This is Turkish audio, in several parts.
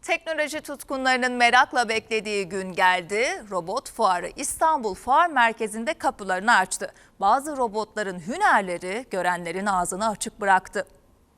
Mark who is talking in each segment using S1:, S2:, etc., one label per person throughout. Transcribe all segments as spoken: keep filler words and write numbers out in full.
S1: Teknoloji tutkunlarının merakla beklediği gün geldi. Robot fuarı İstanbul Fuar Merkezi'nde kapılarını açtı. Bazı robotların hünerleri görenlerin ağzını açık bıraktı.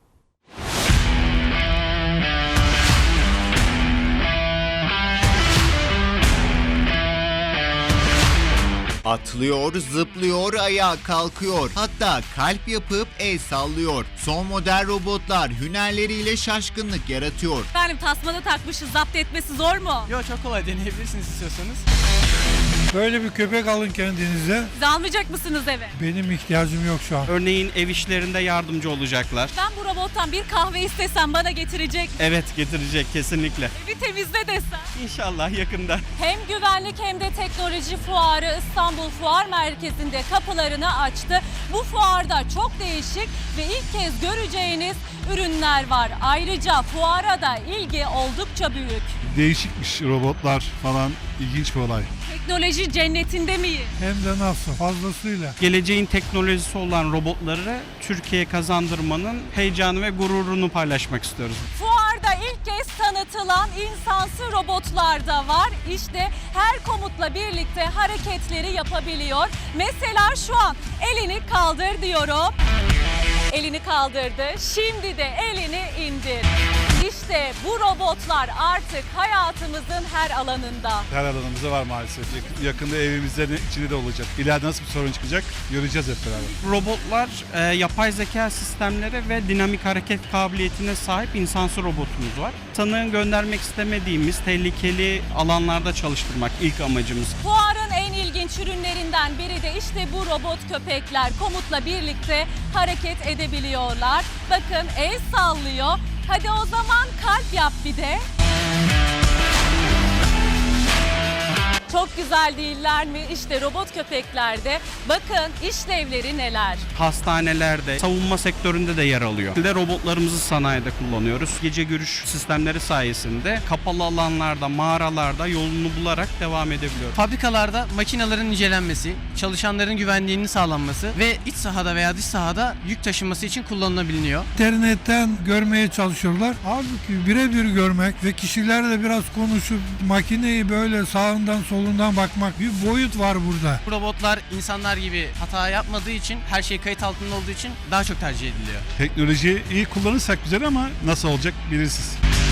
S2: Atlıyor, zıplıyor, ayağa kalkıyor. Hatta kalp yapıp el sallıyor. Son model robotlar hünerleriyle şaşkınlık yaratıyor.
S3: Efendim tasmada takmışız, zapt etmesi zor mu?
S4: Yok, çok kolay, deneyebilirsiniz istiyorsanız.
S5: Böyle bir köpek alın kendinize.
S3: Siz almayacak mısınız eve?
S5: Benim ihtiyacım yok şu an.
S4: Örneğin ev işlerinde yardımcı olacaklar.
S3: Ben bu robottan bir kahve istesem bana getirecek.
S4: Evet, getirecek kesinlikle.
S3: Evi temizle desem.
S4: İnşallah yakında.
S3: Hem güvenlik hem de teknoloji fuarı İstanbul Fuar Merkezi'nde kapılarını açtı. Bu fuarda çok değişik ve ilk kez göreceğiniz ürünler var. Ayrıca fuara da ilgi oldukça büyük.
S6: Değişikmiş robotlar falan, ilginç bir olay.
S3: Teknoloji cennetinde miyiz?
S5: Hem de nasıl fazlasıyla.
S4: Geleceğin teknolojisi olan robotları Türkiye'ye kazandırmanın heyecanı ve gururunu paylaşmak istiyoruz.
S3: Fuarda ilk kez tanıtılan insansı robotlar da var. İşte her komutla birlikte hareketleri yapabiliyor. Mesela şu an elini kaldır diyorum. Elini kaldırdı. Şimdi de elini indir. İşte bu robotlar artık hayatımızın her alanında.
S6: Her alanımızda var maalesef. Yakında evimizde içinde de olacak. İleride nasıl bir sorun çıkacak göreceğiz hep beraber.
S4: Robotlar e, yapay zeka sistemleri ve dinamik hareket kabiliyetine sahip insansı robotumuz var. Tanığı göndermek istemediğimiz tehlikeli alanlarda çalıştırmak ilk amacımız.
S3: Fuarın en ilginç ürünlerinden biri de işte bu robot köpekler. Komutla birlikte hareket edebiliyorlar. Bakın el sallıyor. Hadi o zaman kalp yap bir de. Çok güzel değiller mi? İşte robot köpeklerde bakın işlevleri neler.
S4: Hastanelerde, savunma sektöründe de yer alıyor. Bir de robotlarımızı sanayide kullanıyoruz. Gece görüş sistemleri sayesinde kapalı alanlarda, mağaralarda yolunu bularak devam edebiliyor.
S7: Fabrikalarda makinelerin incelenmesi, çalışanların güvenliğinin sağlanması ve iç sahada veya dış sahada yük taşınması için kullanılabiliyor.
S5: İnternetten görmeye çalışıyorlar. Halbuki birebir görmek ve kişilerle biraz konuşup makineyi böyle sağından solundan bakmak, bir boyut var burada.
S7: Bu robotlar insanlar gibi hata yapmadığı için, her şey kayıt altında olduğu için daha çok tercih ediliyor.
S6: Teknolojiyi iyi kullanırsak güzel ama nasıl olacak belirsiz.